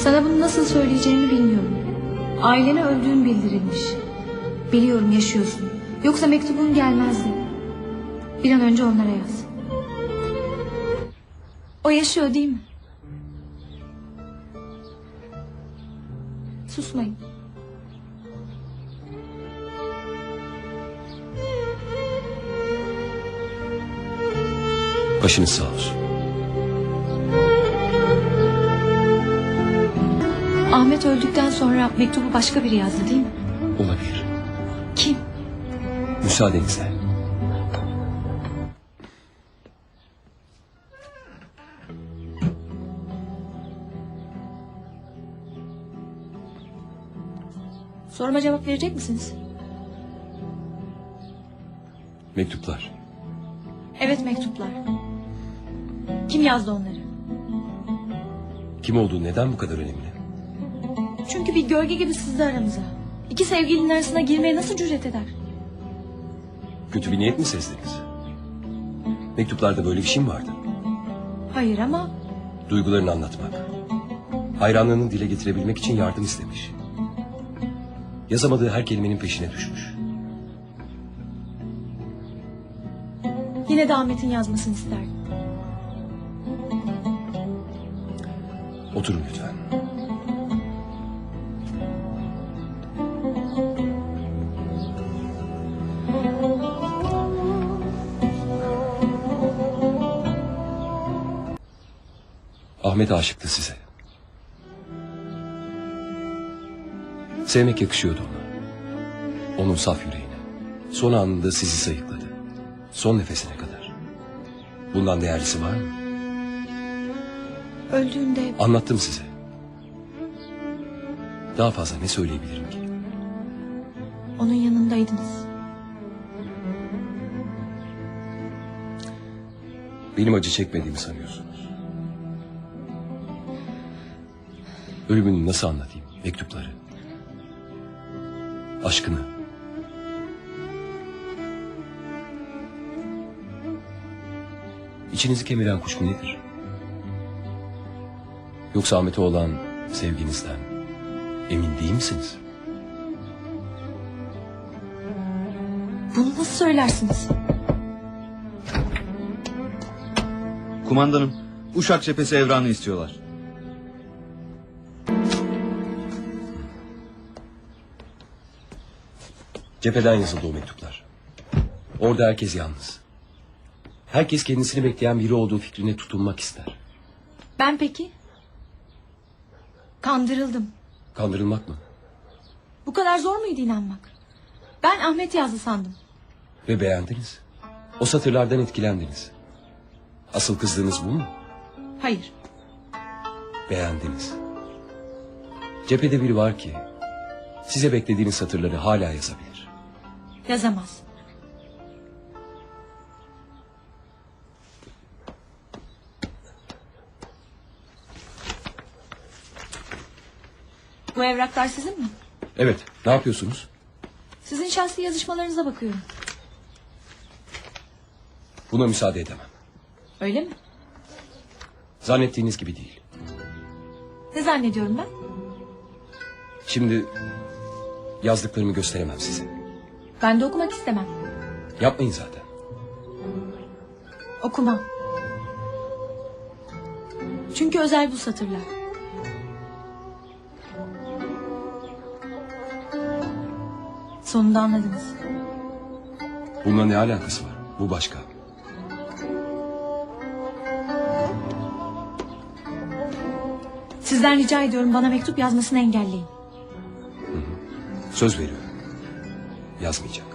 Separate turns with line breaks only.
Sana bunu nasıl söyleyeceğimi bilmiyorum. Ailene öldüğün bildirilmiş. Biliyorum yaşıyorsun. Yoksa mektubun gelmezdi. Bir an önce onlara yaz. O yaşıyor değil mi? Susmayın.
Başınız sağ olsun.
Ahmet öldükten sonra mektubu başka biri yazdı değil mi?
Olabilir.
Kim?
Müsaadenizle.
Soruma cevap verecek misiniz?
Mektuplar.
Evet, mektuplar. Kim yazdı onları?
Kim olduğu neden bu kadar önemli?
Çünkü bir gölge gibi sızdı aramıza. İki sevgilinin arasına girmeye nasıl cüret eder?
Kötü bir niyet mi sezdiniz? Mektuplarda böyle bir şey mi vardı?
Hayır ama
Duygularını anlatmak. Hayranlığını dile getirebilmek için yardım istemiş. Yazamadığı her kelimenin peşine düşmüş.
yine de Ahmet'in yazmasını isterdim.
Oturun lütfen. Ahmet aşıktı size. Sevmek yakışıyordu ona. Onun saf yüreğine. Son anında sizi sayıkladı. Son nefesine kadar. Bundan değerlisi var mı?
Öldüğünde
Anlattım size. Daha fazla ne söyleyebilirim ki?
onun yanındaydınız.
Benim acı çekmediğimi sanıyorsunuz. Ölümünü nasıl anlatayım? Mektupları. Aşkını. İçinizi kemiren kuşku nedir? Yoksa Ahmet'e olan sevginizden emin değil misiniz?
Bunu nasıl söylersiniz?
Kumandanım, Uşak cephesi evranı istiyorlar.
Cepheden yazıldı o mektuplar. Orada herkes yalnız. Herkes kendisini bekleyen biri olduğu fikrine tutunmak ister.
Ben peki? Kandırıldım.
Kandırılmak mı?
Bu kadar zor muydu inanmak? Ben Ahmet yazdı sandım.
Ve beğendiniz. O satırlardan etkilendiniz. Asıl kızdığınız bu mu?
Hayır.
Beğendiniz. Cephede biri var ki size beklediğiniz satırları hala yazabilir.
Yazamaz. Bu evraklar sizin mi?
Evet, ne yapıyorsunuz?
Sizin şahsi yazışmalarınıza bakıyorum.
Buna müsaade edemem.
Öyle mi?
Zannettiğiniz gibi değil.
Ne zannediyorum ben?
Şimdi yazdıklarımı gösteremem size.
Ben de okumak istemem.
Yapmayın zaten.
Okumam. Çünkü özel bu satırlar. Sonunda anladınız.
Bununla ne alakası var? Bu başka.
Sizden rica ediyorum bana mektup yazmasını engelleyin.
Söz veriyorum. Yazmayacağım.